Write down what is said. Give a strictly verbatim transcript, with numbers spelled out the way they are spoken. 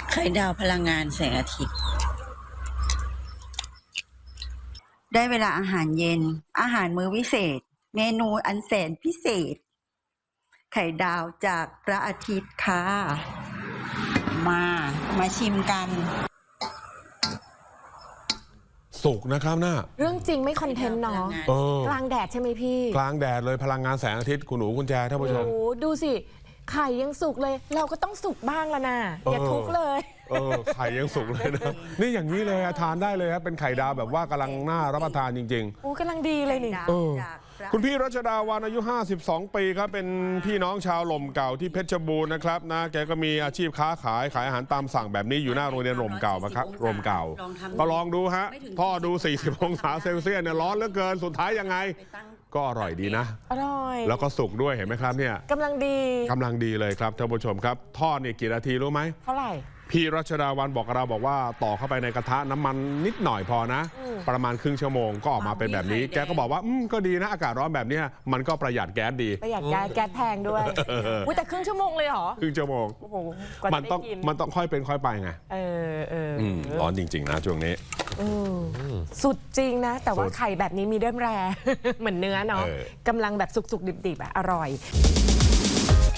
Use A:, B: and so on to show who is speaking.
A: ไข่ดาวพลังงานแสงอาทิตย์ได้เวลาอาหารเย็นอาหารมื้อวิเศษเมนูอันแสนพิเศษไข่ดาวจากพระอาทิตย์ค่ะมามาชิมกัน
B: สุกนะครับน่า
C: เรื่องจริงไม่คอนเทนต์เนาะกลางแดดใช่ไหมพี่
B: กลางแดดเลยพลังงานแสงอาทิตย์คุณหนูคุณแจท่านผู้ชม
C: โอ้ดูสิไข่ยังสุกเลยเราก็ต้องสุกบ้างละนะอย่าทุกเลย
B: เออไข่ยังสุกเลยนะนี่อย่างนี้เลยทานได้เลยครับเป็นไข่ดาวแบบว่ากำลังน่ารับประทานจริง
C: ๆโอ้กำลังดีเลยนี่
B: คุณพี่รัชดาวานอายุห้าสิบสองปีครับเป็นพี่น้องชาวหล่มเก่าที่เพชรบูรณ์นะครับนะแกก็มีอาชีพค้าขายขายอาหารตามสั่งแบบนี้อยู่หน้าโรงเรียนหล่มเก่าครับหล่มเก่าก็ลองดูฮะพ่อดูสี่สิบองศาเซลเซียสเนี่ยร้อนเหลือเกินสุดท้ายยังไงก็อร่อยดีนะ
C: อร่อย
B: แล้วก็สุกด้วยเห็นไหมครับเนี่ย
C: กำลังดี
B: กำลังดีเลยครับท่านผู้ชมครับทอดนี่กี่นาทีรู้ไหม
C: เท่าไหร่
B: พี่รัชดาวันบอกกับเราบอกว่าต่อเข้าไปในกระทะน้ำมันนิดหน่อยพอนะประมาณครึ่งชั่วโมงก็ออกมาเป็นแบบนี้แกก็บอกว่าอืมก็ดีนะอากาศร้อนแบบนี้มันก็ประหยัดแก๊สดี
C: ประหยัดแก๊สแก๊สแพงด้วยอุ้ยแต่ครึ่งชั่วโมงเลยเหรอ
B: ครึ่งชั่วโมง
C: โอ้โห
B: มันต้องมันต้องค่อยเป็นค่อยไปไง
C: เออเออ
B: ร้อนจริงๆนะช่วงนี้
C: สุดจริงนะแต่ว่าไข่แบบนี้มีเดิมแรเหมือนเนื้อเนาะกำลังแบบสุกๆดิบๆอร่อย